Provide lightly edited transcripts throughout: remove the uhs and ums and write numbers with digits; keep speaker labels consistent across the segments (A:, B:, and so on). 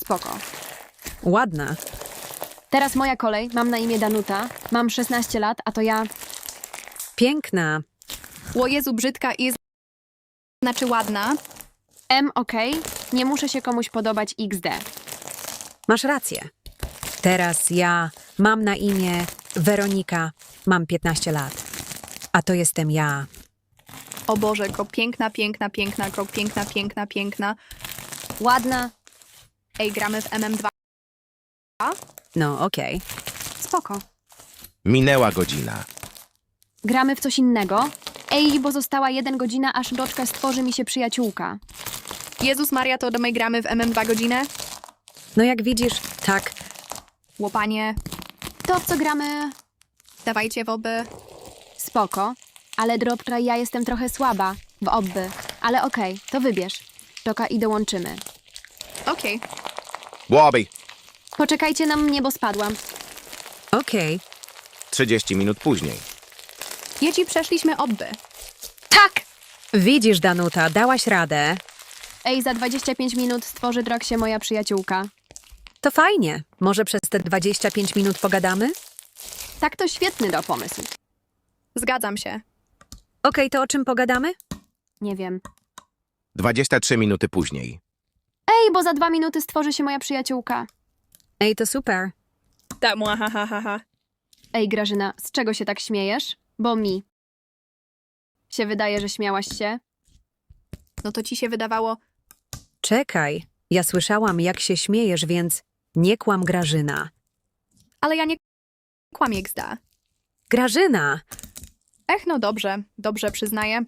A: Spoko.
B: Ładna.
A: Teraz moja kolej. Mam na imię Danuta. Mam 16 lat, a to ja...
B: Piękna.
C: O Jezu, brzydka i znaczy ładna.
A: okej. Nie muszę się komuś podobać XD.
B: Masz rację. Teraz ja mam na imię Weronika. Mam 15 lat. A to jestem ja.
C: O Boże, ko piękna, piękna, piękna, ko piękna, piękna, piękna.
A: Ładna.
C: Ej, gramy w MM2.
B: No, okej.
A: Spoko.
D: Minęła godzina.
A: Gramy w coś innego? Ej, bo została 1 godzina, aż doczka stworzy mi się przyjaciółka.
C: Jezus Maria, to do my gramy w MM2 godzinę?
B: No jak widzisz, tak.
C: Łopanie,
A: To w co gramy?
C: dawajcie w oby.
A: Spoko. Ale Droptra, ja jestem trochę słaba w obby. Ale okej, to wybierz. Czoka i dołączymy.
C: Okej.
D: Łobi.
A: Poczekajcie na mnie, bo spadłam.
B: Okej.
D: 30 minut później.
C: Dzieci, przeszliśmy obby.
A: Tak!
B: Widzisz, Danuta, dałaś radę.
A: Ej, za 25 minut stworzy drog się moja przyjaciółka.
B: To fajnie. Może przez te 25 minut pogadamy?
A: Tak, to świetny pomysł.
C: Zgadzam się.
B: Okej, to o czym pogadamy?
A: Nie wiem.
D: 23 minuty później.
A: Ej, bo za 2 minuty stworzy się moja przyjaciółka.
B: Ej, to super.
C: Tak, ha, ha, ha, ha.
A: Ej, Grażyna, z czego się tak śmiejesz? Bo mi się wydaje, że śmiałaś się.
C: No to ci się wydawało...
B: Czekaj. Ja słyszałam, jak się śmiejesz, więc nie kłam, Grażyna.
C: Ale ja nie kłamię, gzda.
B: Grażyna!
C: No dobrze, dobrze, przyznaję.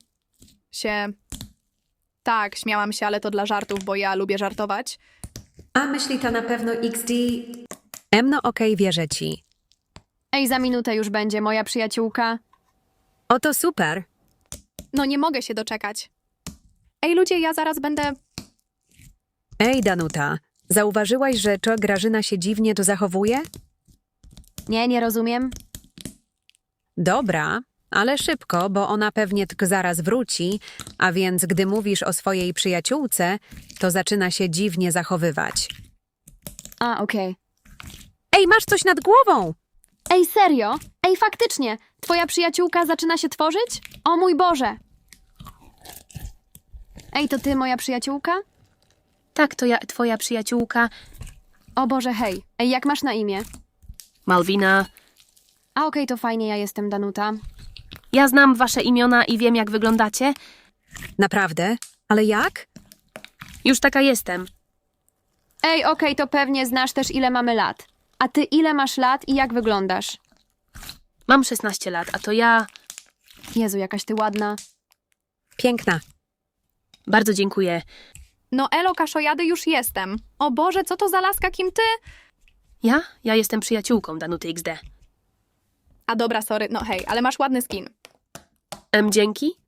C: Tak, śmiałam się, ale to dla żartów, bo ja lubię żartować.
B: A myśli ta na pewno XD? No okej, wierzę ci.
A: Ej, za minutę już będzie moja przyjaciółka.
B: Oto super.
C: No nie mogę się doczekać. Ej, ludzie, ja zaraz będę...
B: Ej, Danuta, zauważyłaś, że Grażyna się dziwnie tu zachowuje?
A: Nie rozumiem.
B: Dobra, ale szybko, bo ona pewnie tylko zaraz wróci, a więc gdy mówisz o swojej przyjaciółce, to zaczyna się dziwnie zachowywać.
A: Okej.
B: Ej, masz coś nad głową!
A: Ej, serio? Ej, faktycznie, twoja przyjaciółka zaczyna się tworzyć? O mój Boże! Ej, to ty, moja przyjaciółka?
E: Tak, to ja, twoja przyjaciółka
A: O Boże, hej. Ej, jak masz na imię?
E: Malwina.
A: Okej, to fajnie, ja jestem Danuta.
E: Ja znam wasze imiona i wiem, jak wyglądacie.
B: Naprawdę? Ale jak?
E: Już taka jestem.
A: Ej, okej, to pewnie znasz też, ile mamy lat. A ty ile masz lat i jak wyglądasz?
E: Mam 16 lat, a to ja...
A: Jezu, jakaś ty ładna.
B: Piękna.
E: Bardzo dziękuję.
C: No elo, kaszojady, już jestem. O Boże, co to za laska, kim ty?
E: Ja? Ja jestem przyjaciółką Danuty XD.
C: A dobra, sorry, no hej, ale masz ładny skin.
E: Dzięki.